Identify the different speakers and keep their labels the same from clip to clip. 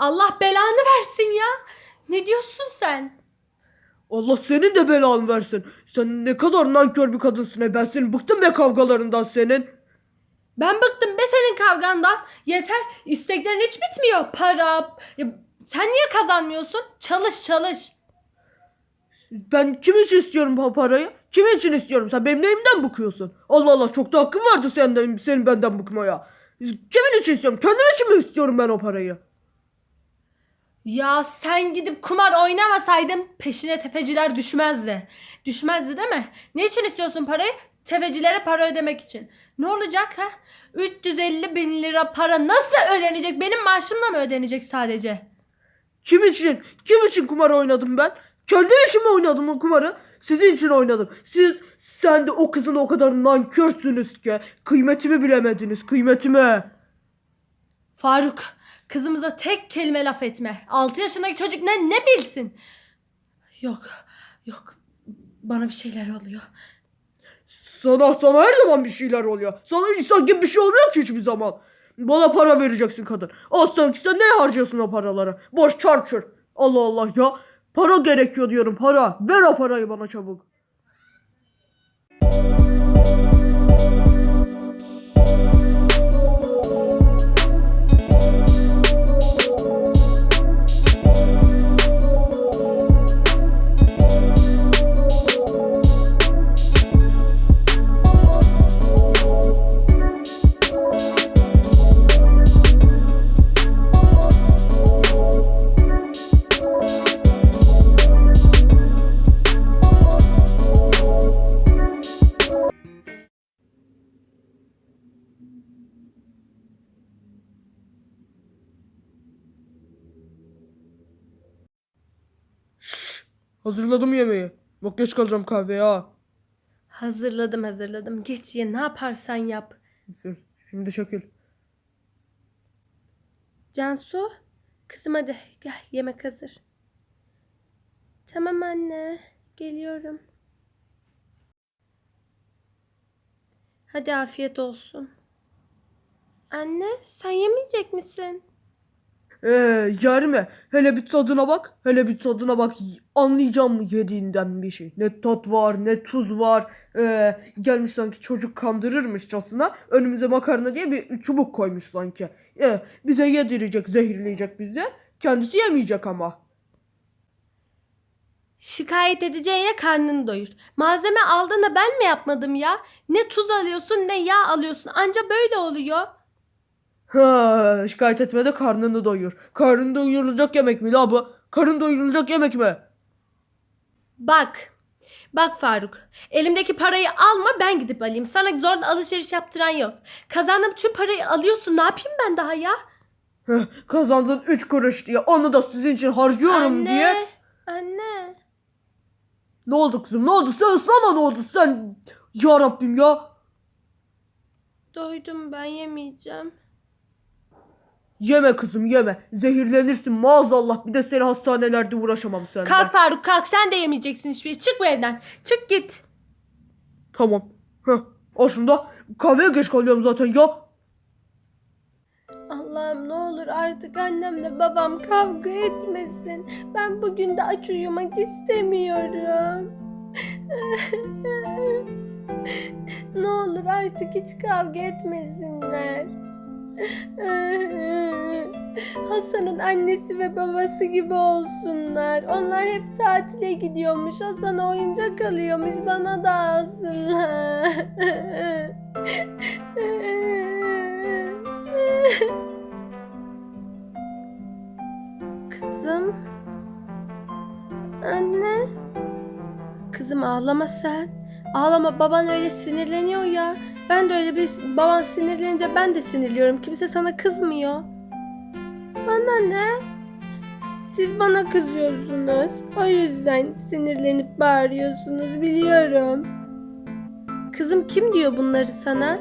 Speaker 1: Allah belanı versin ya. Ne diyorsun sen?
Speaker 2: Allah senin de belanı versin. Sen ne kadar nankör bir kadınsın. Ben senin bıktım be kavgalarından senin.
Speaker 1: Ben bıktım be senin kavgandan. Yeter. İsteklerin hiç bitmiyor. Para. Ya, sen niye kazanmıyorsun? Çalış çalış.
Speaker 2: Ben kim için istiyorum bu parayı? Kim için istiyorum? Sen benim neyimden bıkıyorsun? Allah Allah, çok da hakkın vardı senin benden bıkmaya. Kimin için istiyorum? Kendim için mi istiyorum ben o parayı?
Speaker 1: Ya sen gidip kumar oynamasaydın peşine tefeciler düşmezdi. Düşmezdi değil mi? Ne için istiyorsun parayı? Tefecilere para ödemek için. Ne olacak ha? 350 bin lira para nasıl ödenecek? Benim maaşımla mı ödenecek sadece?
Speaker 2: Kim için? Kim için kumar oynadım ben? Kendi işime oynadım o kumarı. Sizin için oynadım. Sen de o kızın o kadar nankörsünüz ki. Kıymetimi bilemediniz, kıymetimi.
Speaker 1: Faruk, kızımıza tek kelime laf etme. 6 yaşındaki çocuk ne bilsin? Yok, yok. Bana bir şeyler oluyor.
Speaker 2: Sana her zaman bir şeyler oluyor. Sana insan gibi bir şey olmuyor ki hiçbir zaman. Bana para vereceksin kadın. Sen ne harcıyorsun o paraları? Boş çarçur. Allah Allah ya. Para gerekiyor diyorum, para. Ver o parayı bana çabuk. Hazırladım yemeği. Bak geç kalacağım kahveye ha.
Speaker 1: Hazırladım. Geç ye, ne yaparsan yap.
Speaker 2: Şimdi şekil.
Speaker 1: Cansu, kızım hadi gel, yemek hazır. Tamam anne, geliyorum. Hadi afiyet olsun. Anne, sen yemeyecek misin?
Speaker 2: Yer mi? Hele bir tadına bak. Hele bir tadına bak. Anlayacağım yediğinden bir şey. Ne tat var, ne tuz var. Gelmiş sanki çocuk kandırırmışçasına. Önümüze makarna diye bir çubuk koymuş sanki. Bize yedirecek, zehirleyecek bizi. Kendisi yemeyecek ama.
Speaker 1: Şikayet edeceğine karnını doyur. Malzeme aldığında ben mi yapmadım ya? Ne tuz alıyorsun ne yağ alıyorsun. Anca böyle oluyor.
Speaker 2: Şikayet etme de karnını doyur. Karnını doyurulacak yemek mi la bu? Karın doyurulacak yemek mi?
Speaker 1: Bak. Bak Faruk. Elimdeki parayı alma, ben gidip alayım. Sana zorla alışveriş yaptıran yok. Kazandığım tüm parayı alıyorsun. Ne yapayım ben daha ya?
Speaker 2: Kazandın 3 kuruş diye. Onu da sizin için harcıyorum diye.
Speaker 1: Anne.
Speaker 2: Ne oldu kızım? Ne oldu? Sana ne oldu? Sen ya Rabbim ya.
Speaker 1: Doydum, ben yemeyeceğim.
Speaker 2: Yeme kızım, yeme. Zehirlenirsin maazallah. Bir de seni hastanelerde uğraşamam senden.
Speaker 1: Kalk Faruk, kalk, sen de yemeyeceksin hiçbir şey. Çık bu evden. Çık git.
Speaker 2: Tamam. Aslında kahveye geç kalıyorum zaten ya.
Speaker 1: Allah'ım ne olur artık annemle babam kavga etmesin. Ben bugün de aç uyumak istemiyorum. Ne olur artık hiç kavga etmesinler. Hasan'ın annesi ve babası gibi olsunlar. Onlar hep tatile gidiyormuş. Hasan'a oyuncak alıyormuş. Bana da alsınlar. Kızım. Anne. Kızım ağlama sen. Ağlama, baban öyle sinirleniyor ya. Ben de öyle baban sinirlenince ben de sinirliyorum. Kimse sana kızmıyor. Bana ne? Siz bana kızıyorsunuz. O yüzden sinirlenip bağırıyorsunuz, biliyorum. Kızım kim diyor bunları sana?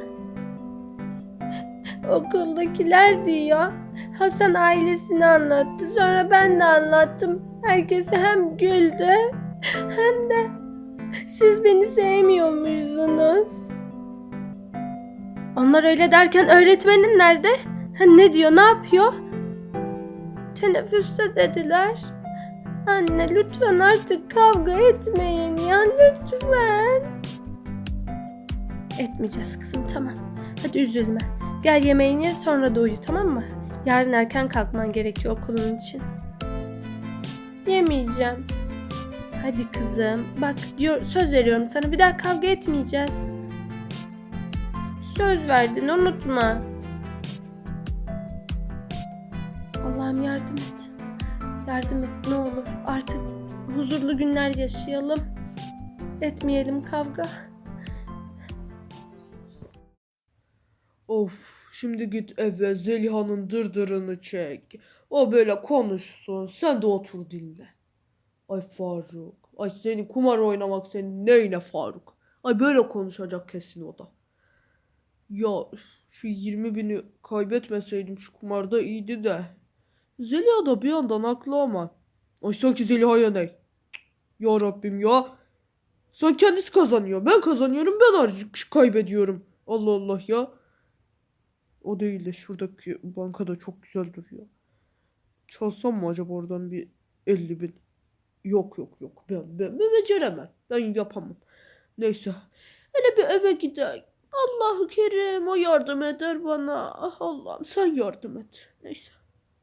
Speaker 1: Okuldakiler diyor. Hasan ailesini anlattı. Sonra ben de anlattım. Herkes hem güldü hem de siz beni sevmiyor muydunuz? Onlar öyle derken öğretmenin nerede? Ne diyor, ne yapıyor? teneffüste dediler. Anne lütfen artık kavga etmeyin ya, lütfen. Etmeyeceğiz kızım, tamam. Hadi üzülme. Gel yemeğini ye, sonra da uyu, tamam mı? Yarın erken kalkman gerekiyor okulun için. Yemeyeceğim. Hadi kızım. Bak diyor, söz veriyorum sana, bir daha kavga etmeyeceğiz. Söz verdin, unutma. Allah'ım yardım et. Yardım et ne olur. Artık huzurlu günler yaşayalım. Etmeyelim kavga.
Speaker 2: Of, şimdi git eve Zeliha'nın dırdırını çek. O böyle konuşsun. Sen de otur dinle. Ay Faruk. Ay seni kumar oynamak senin neyine Faruk? Ay böyle konuşacak kesin o da. Ya şu 20.000'i kaybetmeseydim şu kumarda iyiydi de. Zeliha da bir yandan haklı ama. Ay sanki Zeliha'ya ne? Ya Rabbim ya. Sen kendisi kazanıyor. Ben kazanıyorum, ben kaybediyorum. Allah Allah ya. O değil de şuradaki bankada çok güzel duruyor. Çalsam mı acaba oradan bir 50.000? Yok yok yok. Ben beceremem. Ben yapamam. Neyse. Hele bir eve gidelim. Allahu Kerim o yardım eder bana. Ah Allah'ım sen yardım et. Neyse.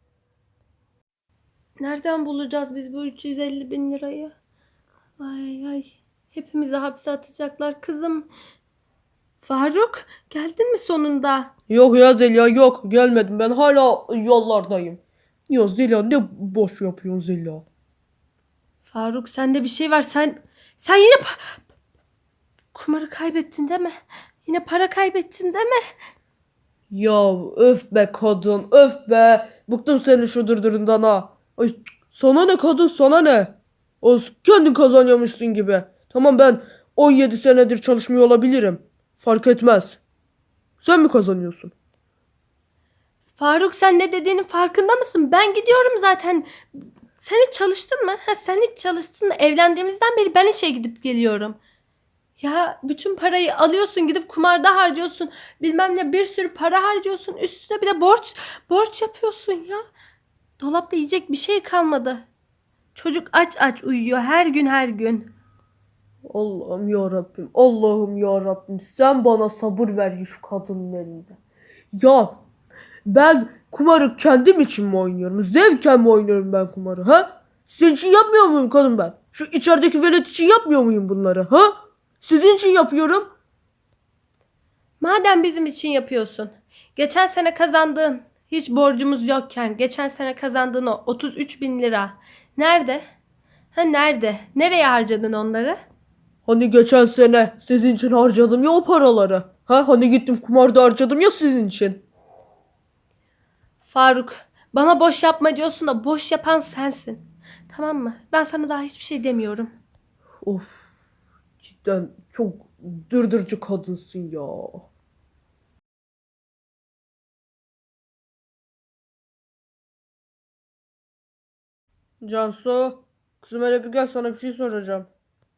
Speaker 1: Nereden bulacağız biz bu 350.000 lirayı? Ay ay. Hepimizi hapse atacaklar kızım. Faruk, geldin mi sonunda?
Speaker 2: Yok ya Zeliha yok. Gelmedim, ben hala yollardayım. Ya Zeliha ne boş yapıyorsun Zeliha?
Speaker 1: Faruk, sende bir şey var. Sen yine kumarı kaybettin değil mi? Yine para kaybettin değil mi?
Speaker 2: Ya öf be kadın, öf be. Bıktım senin şu dırdırından ha. Ay, sana ne kadın, sana ne? O kendin kazanıyormuşsun gibi. Tamam, ben 17 senedir çalışmıyor olabilirim. Fark etmez. Sen mi kazanıyorsun?
Speaker 1: Faruk, sen ne dediğinin farkında mısın? Ben gidiyorum zaten. Sen hiç çalıştın mı? Sen hiç çalıştın mı? Evlendiğimizden beri ben işe gidip geliyorum. Ya bütün parayı alıyorsun, gidip kumarda harcıyorsun. Bilmem ne, bir sürü para harcıyorsun. Üstüne bir de borç yapıyorsun ya. Dolapta yiyecek bir şey kalmadı. Çocuk aç aç uyuyor her gün her gün.
Speaker 2: Allah'ım ya Rabbim, Allah'ım ya Rabbim, sen bana sabır ver şu kadının elinde. Ya ben kumarı kendim için mi oynuyorum? Zevken mi oynuyorum ben kumarı ha? Sizin için yapmıyor muyum kadın ben? Şu içerideki velet için yapmıyor muyum bunları ha? Sizin için yapıyorum.
Speaker 1: Madem bizim için yapıyorsun. Geçen sene kazandığın, hiç borcumuz yokken geçen sene kazandığın o 33.000 lira. Nerede? Nerede? Nereye harcadın onları?
Speaker 2: Hani geçen sene sizin için harcadım ya o paraları. Ha? Hani gittim kumarda harcadım ya sizin için.
Speaker 1: Faruk, bana boş yapma diyorsun da boş yapan sensin. Tamam mı? Ben sana daha hiçbir şey demiyorum.
Speaker 2: Of, cidden çok dırdırcı kadınsın ya. Cansu, kızım hele bir gel, sana bir şey soracağım.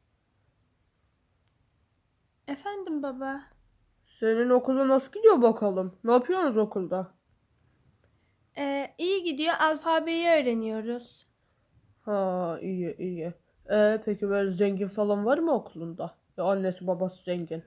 Speaker 1: Efendim baba.
Speaker 2: Senin okula nasıl gidiyor bakalım? Ne yapıyorsunuz okulda?
Speaker 1: İyi gidiyor. Alfabeyi öğreniyoruz.
Speaker 2: Ha, iyi iyi. Peki böyle zengin falan var mı okulunda? Ya annesi babası zengin.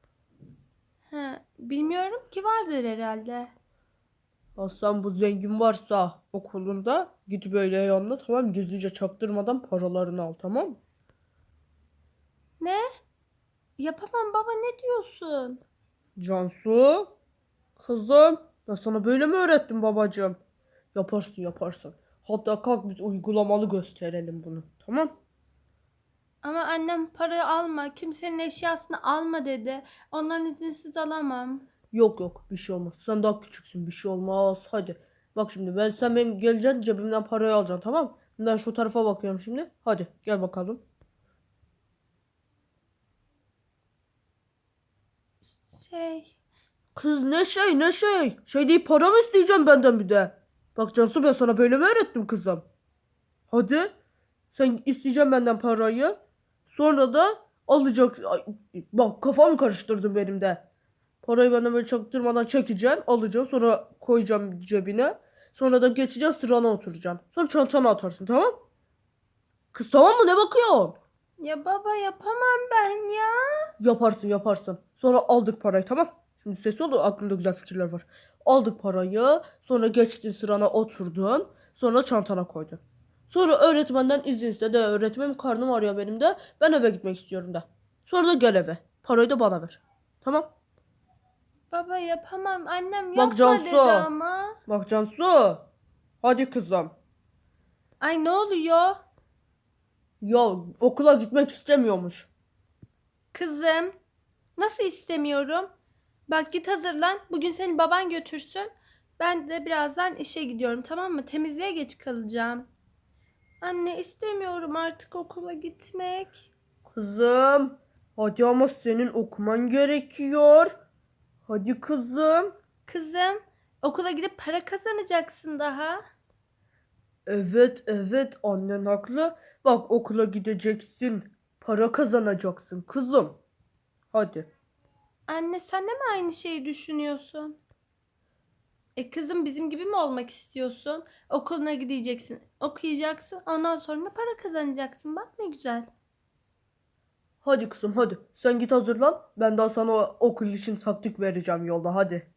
Speaker 1: Bilmiyorum ki, vardır herhalde.
Speaker 2: Aslan bu zengin varsa okulunda git böyle yanına, tamam, gizlice çaktırmadan paralarını al, tamam mı?
Speaker 1: Ne? Yapamam baba, ne diyorsun?
Speaker 2: Cansu, kızım, ben sana böyle mi öğrettim babacığım? Yaparsın yaparsın. Hatta kalk biz uygulamalı gösterelim bunu, tamam?
Speaker 1: Ama annem parayı alma, kimsenin eşyasını alma dedi. Ondan izinsiz alamam.
Speaker 2: Yok yok, bir şey olmaz. Sen daha küçüksün, bir şey olmaz. Hadi. Bak şimdi sen benim geleceksin, cebimden parayı alacaksın, tamam mı? Ben şu tarafa bakıyorum şimdi. Hadi gel bakalım.
Speaker 1: Şey,
Speaker 2: Kız ne şey ne şey. Şey değil, para mı isteyeceğim benden bir de? Bak Cansu, ben sana böyle mi öğrettim kızım? Hadi. Sen isteyeceğim benden parayı. Sonra da alacak. Ay, bak kafamı karıştırdın benim de. Parayı benden böyle çaktırmadan çekeceksin. Alacaksın, sonra koyacağım cebine. Sonra da geçeceğiz sırana oturacaksın. Sonra çantana atarsın, tamam? Kız tamam mı, ne bakıyorsun?
Speaker 1: Ya baba yapamam ben ya.
Speaker 2: Yaparsın. Sonra aldık parayı, tamam. Şimdi ses ol, aklımda güzel fikirler var. Aldık parayı. Sonra geçtin sırana oturdun. Sonra çantana koydun. Sonra öğretmenden izin istedi. Öğretmenim karnım ağrıyor benim de. Ben eve gitmek istiyorum da. Sonra da gel eve. Parayı da bana ver. Tamam.
Speaker 1: Baba yapamam. Annem
Speaker 2: Bak
Speaker 1: yapma
Speaker 2: Cansu.
Speaker 1: dedi ama.
Speaker 2: Bak Cansu. Hadi kızım.
Speaker 1: Ay ne oluyor?
Speaker 2: Ya okula gitmek istemiyormuş.
Speaker 1: Kızım. Nasıl istemiyorum? Bak git hazırlan. Bugün seni baban götürsün. Ben de birazdan işe gidiyorum, tamam mı? Temizliğe geç kalacağım. Anne istemiyorum artık okula gitmek.
Speaker 2: Kızım. Hadi ama senin okuman gerekiyor. Hadi kızım.
Speaker 1: Kızım, okula gidip para kazanacaksın daha.
Speaker 2: Evet annen haklı. Bak okula gideceksin. Para kazanacaksın kızım. Hadi.
Speaker 1: Anne sen de mi aynı şeyi düşünüyorsun? Kızım bizim gibi mi olmak istiyorsun? Okuluna gideceksin, okuyacaksın, ondan sonra para kazanacaksın. Bak ne güzel.
Speaker 2: Hadi kızım hadi. Sen git hazırlan. Ben daha sana okul için taktik vereceğim yolda, hadi.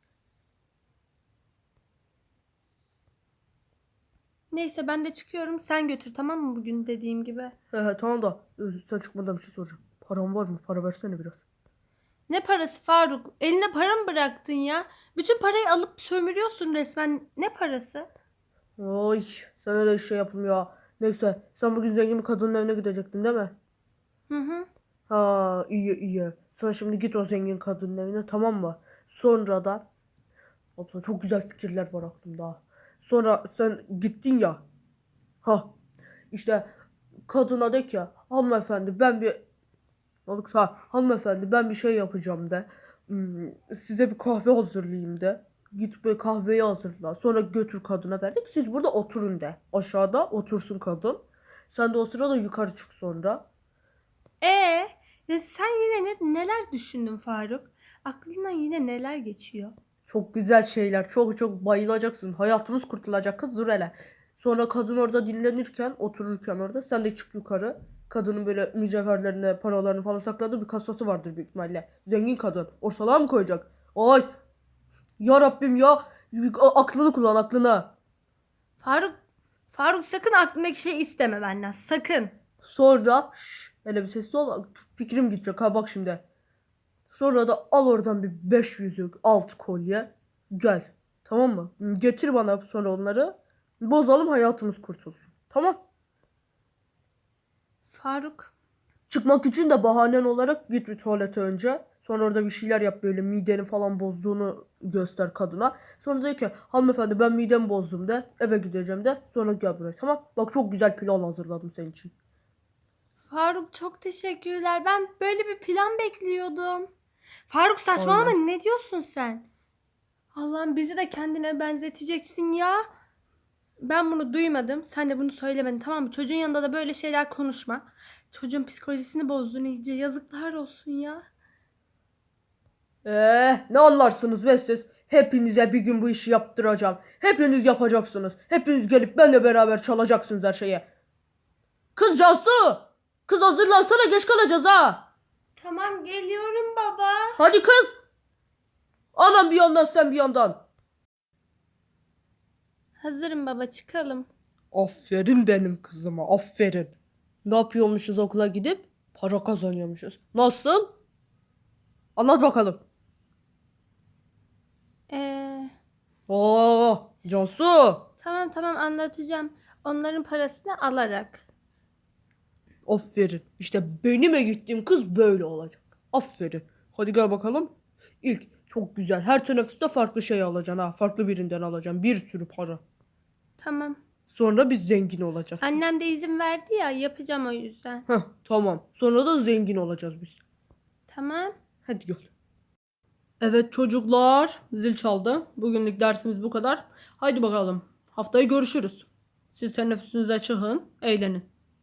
Speaker 1: Neyse ben de çıkıyorum. Sen götür, tamam mı, bugün dediğim gibi.
Speaker 2: He tamam da sen çıkmadan bir şey soracağım. Paran var mı? Para versene biraz.
Speaker 1: Ne parası Faruk? Eline para mı bıraktın ya? Bütün parayı alıp sömürüyorsun resmen. Ne parası?
Speaker 2: Oy, sen öyle şey yapılmıyor. Neyse, sen bugün zengin bir kadının evine gidecektin değil mi?
Speaker 1: Hı hı.
Speaker 2: Ha, iyi. Sen şimdi git o zengin kadının evine, tamam mı? Sonra da abla çok güzel fikirler var aklımda. Sonra sen gittin ya. Ha işte kadına de ki hanımefendi ben bir hanımefendi ben bir şey yapacağım de. Size bir kahve hazırlayayım de. Git bir kahveyi hazırla. Sonra götür kadına verdik. Siz burada oturun de. Aşağıda otursun kadın. Sen de o sırada yukarı çık sonra.
Speaker 1: Ee, ya sen yine neler düşündün Faruk? Aklından yine neler geçiyor?
Speaker 2: Çok güzel şeyler. Çok bayılacaksın. Hayatımız kurtulacak kız, dur hele. Sonra kadın orada dinlenirken, otururken orada sen de çık yukarı. Kadının böyle mücevherlerini, paralarını falan sakladığı bir kasası vardır büyük ihtimalle. Zengin kadın. Ortalığa mı koyacak? Ay! Ya Rabbim ya! Aklını kullan, aklını.
Speaker 1: Faruk, Faruk sakın aklındaki şeyi isteme benden. Sakın.
Speaker 2: Sonra hele bir sessiz ol. Fikrim gidecek ha, bak şimdi. Sonra da al oradan bir 5 yüzük, 6 kolye. Gel. Tamam mı? Getir bana sonra onları. Bozalım, hayatımız kurtulsun. Tamam.
Speaker 1: Faruk.
Speaker 2: Çıkmak için de bahanen olarak git bir tuvalete önce. Sonra orada bir şeyler yap, böyle mideni falan bozduğunu göster kadına. Sonra de ki hanımefendi ben midemi bozdum de, eve gideceğim de, sonra gel buraya, tamam. Bak çok güzel plan hazırladım senin için.
Speaker 1: Faruk çok teşekkürler. Ben böyle bir plan bekliyordum. Faruk saçmalama,
Speaker 2: Aynen.
Speaker 1: ne diyorsun sen? Allah'ım bizi de kendine benzeteceksin ya. Ben bunu duymadım. Sen de bunu söylemedin, tamam mı? Çocuğun yanında da böyle şeyler konuşma. Çocuğun psikolojisini bozdun iyice. Yazıklar olsun ya.
Speaker 2: Ne anlarsınız be siz? Hepinize bir gün bu işi yaptıracağım. Hepiniz yapacaksınız. Hepiniz gelip benimle beraber çalacaksınız her şeyi. Kız Cansu! Kız hazırlansana, geç kalacağız ha.
Speaker 1: Tamam geliyorum baba.
Speaker 2: Hadi kız. Anam bir yandan, sen bir yandan.
Speaker 1: Hazırım baba, çıkalım.
Speaker 2: Aferin benim kızıma, aferin. Ne yapıyormuşuz okula gidip? Para kazanıyormuşuz. Nasıl? Anlat bakalım.
Speaker 1: Ee,
Speaker 2: Cansu.
Speaker 1: tamam anlatacağım. Onların parasını alarak.
Speaker 2: Aferin. İşte benim gittiğim kız böyle olacak. Aferin. Hadi gel bakalım. İlk çok güzel. Her teneffüste farklı şey alacaksın ha. Farklı birinden alacaksın. Bir sürü para.
Speaker 1: Tamam.
Speaker 2: Sonra biz zengin olacağız.
Speaker 1: Annem de izin verdi ya, yapacağım o yüzden.
Speaker 2: Heh, tamam. Sonra da zengin olacağız biz.
Speaker 1: Tamam.
Speaker 2: Hadi gel. Evet çocuklar, zil çaldı. Bugünlük dersimiz bu kadar. Haydi bakalım. Haftaya görüşürüz. Siz teneffüsünüze çıkın, eğlenin.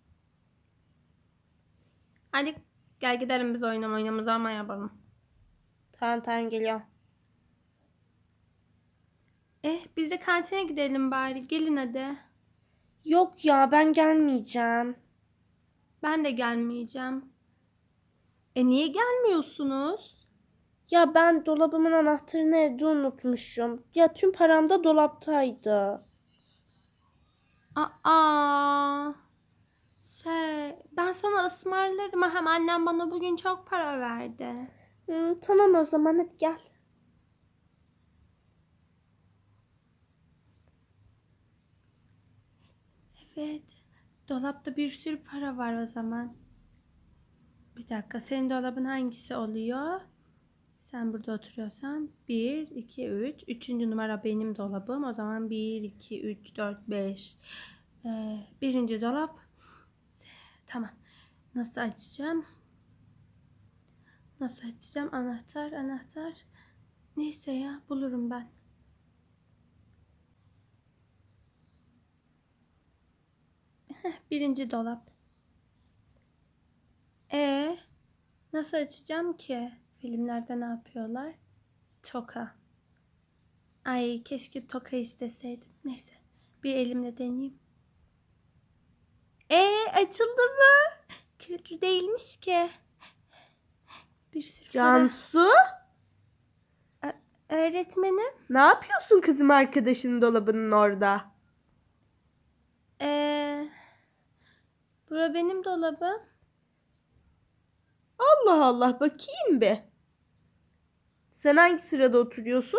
Speaker 1: Hadi gel gidelim biz oynamamızı ama yapalım.
Speaker 3: Tamam geliyorum.
Speaker 1: Biz de kantine gidelim bari. Gelin hadi.
Speaker 3: Yok ya, ben gelmeyeceğim.
Speaker 1: Ben de gelmeyeceğim. Niye gelmiyorsunuz?
Speaker 3: Ya ben dolabımın anahtarını evde unutmuşum. Ya tüm param da dolaptaydı.
Speaker 1: Aa, ben sana ısmarlarım. Hem annem bana bugün çok para verdi.
Speaker 3: Tamam o zaman, hadi gel.
Speaker 1: Evet. Dolapta bir sürü para var o zaman. Bir dakika. Senin dolabın hangisi oluyor? Sen burada oturuyorsan 1, 2, 3. Üçüncü numara benim dolabım. O zaman 1, 2, 3, 4, 5. Birinci dolap. Tamam. Nasıl açacağım? Nasıl açacağım? Anahtar. Neyse ya, bulurum ben. Birinci dolap. Nasıl açacağım ki? Filmlerde ne yapıyorlar? Toka. Ay, keşke toka isteseydim. Neyse. Bir elimle deneyeyim. Açıldı mı? Kilitli değilmiş ki. Bir sürü para.
Speaker 3: Cansu,
Speaker 1: Öğretmenim.
Speaker 3: ne yapıyorsun kızım arkadaşının dolabının orada?
Speaker 1: Bura benim dolabım.
Speaker 3: Allah Allah, bakayım bir. Sen hangi sırada oturuyorsun?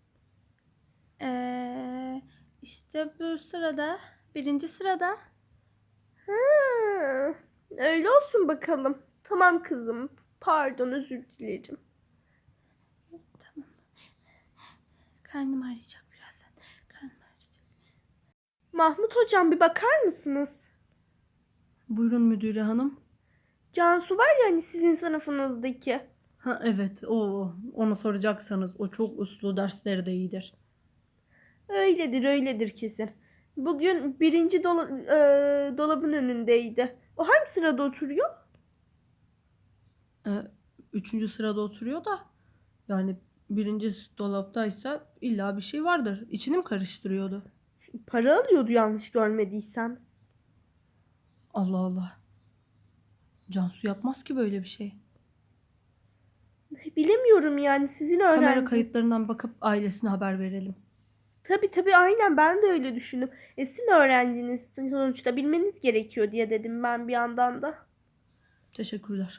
Speaker 1: İşte bu sırada. Birinci sırada.
Speaker 3: Ha, öyle olsun bakalım. Tamam kızım. Pardon, özür dilerim.
Speaker 1: Tamam. Karnım ağrıyacak birazdan. Karnım ağrıyacak.
Speaker 3: Mahmut hocam, bir bakar mısınız?
Speaker 2: Buyurun müdüre hanım.
Speaker 3: Cansu var ya hani sizin sınıfınızdaki.
Speaker 2: Ha evet, onu soracaksanız o çok uslu, dersleri de iyidir.
Speaker 3: Öyledir kesin. Bugün birinci dolabın önündeydi. O hangi sırada oturuyor?
Speaker 2: Ee, Üçüncü sırada oturuyor da yani birinci dolaptaysa illa bir şey vardır. İçini mi karıştırıyordu?
Speaker 3: Para alıyordu yanlış görmediysem.
Speaker 2: Allah Allah. Cansu yapmaz ki böyle bir şey.
Speaker 3: Bilemiyorum yani, sizin
Speaker 2: Kamera
Speaker 3: öğrenciniz.
Speaker 2: kayıtlarından bakıp ailesine haber verelim.
Speaker 3: Tabii aynen, ben de öyle düşündüm. Sizin öğrenciniz sonuçta, bilmeniz gerekiyor diye dedim ben bir yandan da.
Speaker 2: Teşekkürler.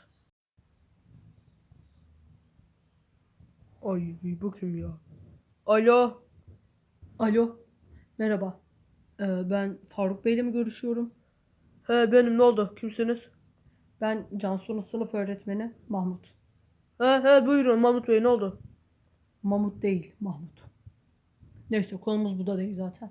Speaker 4: Ay bu kim ya? Alo.
Speaker 2: Alo. Merhaba. Ben Faruk Bey'le mi görüşüyorum?
Speaker 4: He benim, ne oldu? Kimsiniz?
Speaker 2: Ben Cansu'nun sınıf öğretmeni Mahmut.
Speaker 4: He buyurun Mahmut Bey, ne oldu?
Speaker 2: Mahmut değil, Mahmut. Neyse, konumuz bu da değil zaten.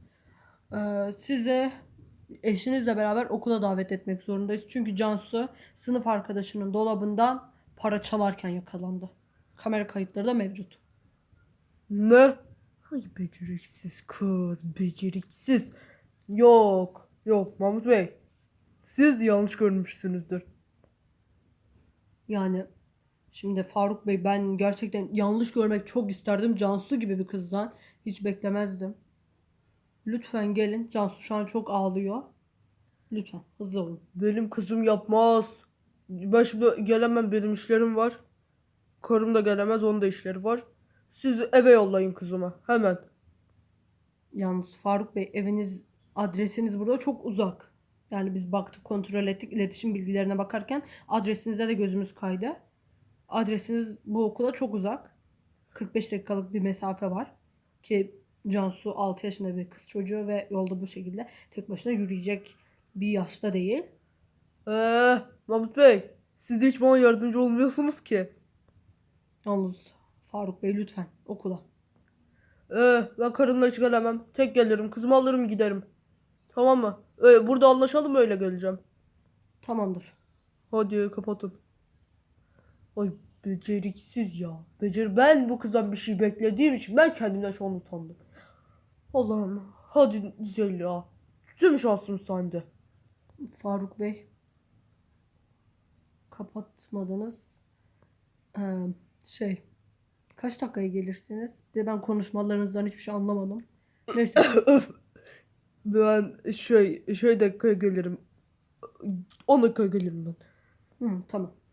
Speaker 2: Size eşinizle beraber okula davet etmek zorundayız. Çünkü Cansu sınıf arkadaşının dolabından para çalarken yakalandı. Kamera kayıtları da mevcut.
Speaker 4: Ne? Ay beceriksiz kız, beceriksiz. Yok Mahmut Bey. Siz yanlış görmüşsünüzdür.
Speaker 2: Yani şimdi Faruk Bey, ben gerçekten yanlış görmek çok isterdim. Cansu gibi bir kızdan hiç beklemezdim. Lütfen gelin. Cansu şu an çok ağlıyor. Lütfen hızlı olun.
Speaker 4: Benim kızım yapmaz. Ben şimdi gelemem, benim işlerim var. Karım da gelemez, onun da işleri var. Siz eve yollayın kızıma hemen.
Speaker 2: Yalnız Faruk Bey, adresiniz burada çok uzak. Yani biz baktık, kontrol ettik, iletişim bilgilerine bakarken adresinizde de gözümüz kaydı. Adresiniz bu okula çok uzak. 45 dakikalık bir mesafe var. Ki Cansu 6 yaşında bir kız çocuğu ve yolda bu şekilde tek başına yürüyecek bir yaşta değil.
Speaker 4: Mahmut Bey, siz de hiç bana yardımcı olmuyorsunuz ki.
Speaker 2: Yalnız Faruk Bey, lütfen okula.
Speaker 4: Ben karımla hiç gelemem. Tek gelirim, kızımı alırım giderim. Tamam mı? Burada anlaşalım, öyle geleceğim.
Speaker 2: Tamamdır.
Speaker 4: Hadi kapatın. Ay beceriksiz ya. Ben bu kızdan bir şey beklediğim için ben kendimden şu an utandım. Allah'ım, hadi güzel ya. Tüm şansım sende.
Speaker 2: Faruk Bey, kapatmadınız. Şey,
Speaker 1: Kaç dakikaya gelirsiniz? Bir de ben konuşmalarınızdan hiçbir şey anlamadım. Neyse.
Speaker 2: Ben şey dakikaya gelirim. 10 dakikaya gelirim ben.
Speaker 1: Tamam.